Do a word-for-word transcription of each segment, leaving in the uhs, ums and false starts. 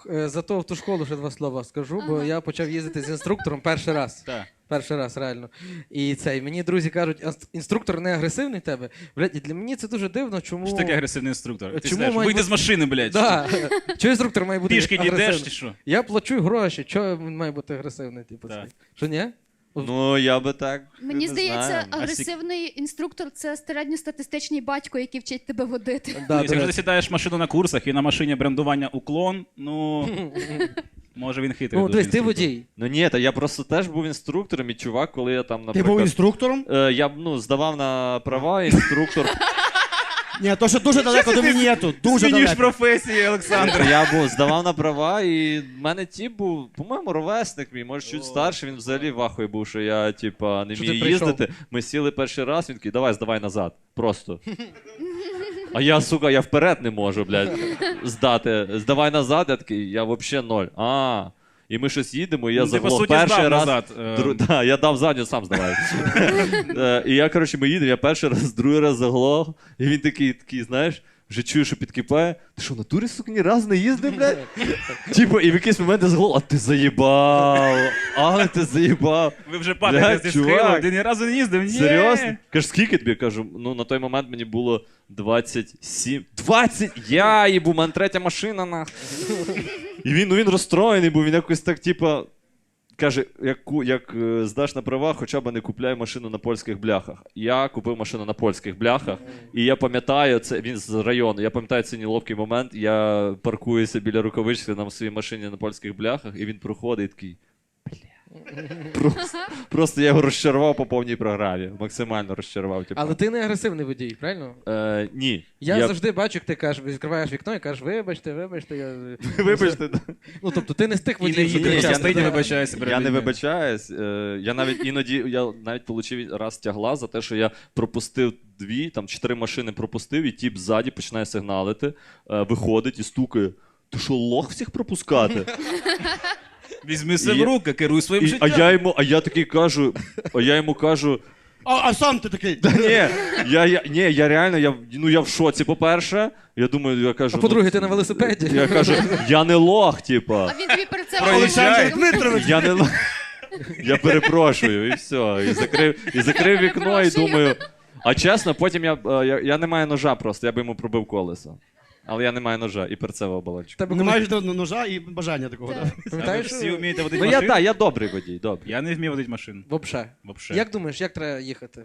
е, зато в ту школу ще два слова скажу, бо Ага. я почав їздити з інструктором перший раз. Так. Перший раз, реально. І цей, мені друзі кажуть, «Ас- інструктор не агресивний в тебе. Блядь, і для мене це дуже дивно, чому... Що таке агресивний інструктор? Ти Чому знаєш, має вийди бути- з машини, блядь. Да. Чого інструктор має бути Пішки не йдеш агресивний? чи що? Я плачу гроші, чого він має бути агресивний? Типу, Так. цей? Що, ні? Ну, я би так. Мені не здається, знаю. агресивний інструктор це середньостатистичний батько, який вчить тебе водити. Да, Ну, до якщо речі. ти сідаєш в машину на курсах і на машині брендування уклон, ну, може він хитрий. Ну, дуже дивись, ти інструктор. водій. Ну ні, та я просто теж був інструктором, і чувак, коли я там, Ти наприклад... був інструктором? Е, я ну, здавав на права, інструктор. Ні, то що дуже далеко до мінету. Дуже Змінюєш далеко. професії, Олександр. Я був, здавав на права, і в мене тіп був, по-моєму, ровесник мій, може чуть старший, він взагалі в ахуї був, що я, типа, не Що ти вмію прийшов? їздити. Ми сіли перший раз, він такий, давай, здавай назад, просто. А я, сука, я вперед не можу, блядь, здати. Здавай назад, я такий, я взагалі ноль. А, і ми щось їдемо, і я Ну, ти, по заглох суті, перший здав раз. назад, е. Дру... Да, я дав задню, сам здавай. Е, І я, коротше, ми їдемо, я перший раз, другий раз заглох, і він такий, такий, знаєш, вже чую, що підкипає. Ти що, в натурі, сука, ні разу не їздив, блядь? Типу, і в якийсь момент я заглох, а ти заїбав, а ти заїбав. Ви вже падаєте Блядь, зі чувак. схилу, ти ні разу не їздив, ні. Серйозно? Кажеш, скільки тобі? Кажу, ну на той момент мені було двадцять сім. двадцять? Я їбу, у мене третя машина, нахуй. І він, ну він розстроєний був, він якось так, типа, каже, як, ку- як е, здаш на права, хоча б не купляй машину на польських бляхах. Я купив машину на польських бляхах, і я пам'ятаю, це він з району, я пам'ятаю цей неловкий момент, я паркуюся біля рукавички на своїй машині на польських бляхах, і він проходить і такий. Просто, просто я його розчарував по повній програмі. Максимально розчарував. Типу. Але ти не агресивний водій, правильно? Е, ні. Я, завжди бачу, як ти кажеш, відкриваєш вікно і кажеш, вибачте, вибачте. Я... Вибачте. Ну, тобто ти не з тих І не водіїв, що ні, їдеш, я а кричать. стоїть і не- вибачається перед Я не людьми. вибачаюсь. Е, я навіть іноді я навіть отримав раз тягла за те, що я пропустив дві, там чотири машини пропустив, і тіп ззаді починає сигналити, е, виходить і стукає. Ти що, лох всіх пропускати? Візьми себе І- в руки, керуй своїм І, а життям. я йому, а я такий кажу, а я йому кажу. А, а сам ти такий. Ні, я, я, ні, я реально, я, ну, я в шоці, по-перше. Я думаю, я кажу. А по-друге, ну, ти на велосипеді. Я кажу, я не лох, типа. А він тобі перед цим Проїжджай. Олександр Дмитрович. Я не лох. Я перепрошую, і все. І закрив, і закрив вікно, і Перепрошую. думаю. А чесно, потім я, е, я, я не маю ножа просто, я би йому пробив колесо. Але я не маю ножа і перцевого балончика. Тебе Не коли- маєш до- ножа і бажання такого. Так. Да? А ви Пам'ятаєш? всі вмієте водити Ну я машину? так, я добрий водій, добрий. Я не вмію водити машину. Вообще. Вообще. Як думаєш, як треба їхати?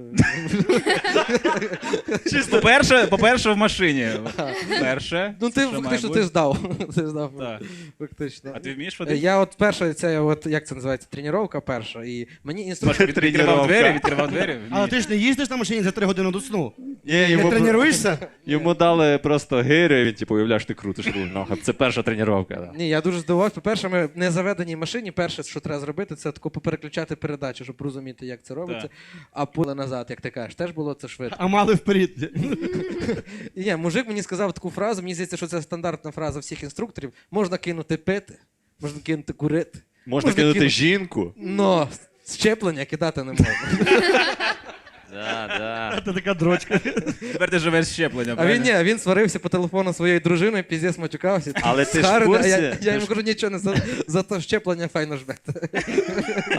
По-перше, по-перше, в машині. Перше. Ну ти що має фактично бути. ти здав. Ти здав. Так. Фактично. А ти вмієш Е, водити? Я от перша, це от як це називається, тренування перша. І мені Маш, інструктор. від- відкривав двері, відкривав двері. Але Вмієш. ти ж не їздиш на машині за три години до сну. Ні, Не йому, тренуєшся? йому дали просто гирю, і він типу, уявляєш, ти крутиш руль. нахуй. Це перша тренування. Да. Ні, я дуже здивувався. По-перше, ми в незаведеній машині, перше, що треба зробити, це тако попереключати передачі, щоб розуміти, як це робиться. Так. А поле назад, як ти кажеш, теж було це швидко. А мали вперед. І ні, мужик мені сказав таку фразу, мені здається, що це стандартна фраза всіх інструкторів. Можна кинути пити, можна кинути курити. Можна кинути кинути- жінку. Но щеплення кидати не можна. Да, да. Це така дрочка. Тепер ти живеш з щеплення. А він ні, він сварився по телефону зі своєю дружиною, піздець матюкався. Але ти ж в Схарений, а курсі? я, Ти я йому ж- кажу, нічого не за, за то щеплення файно жмете.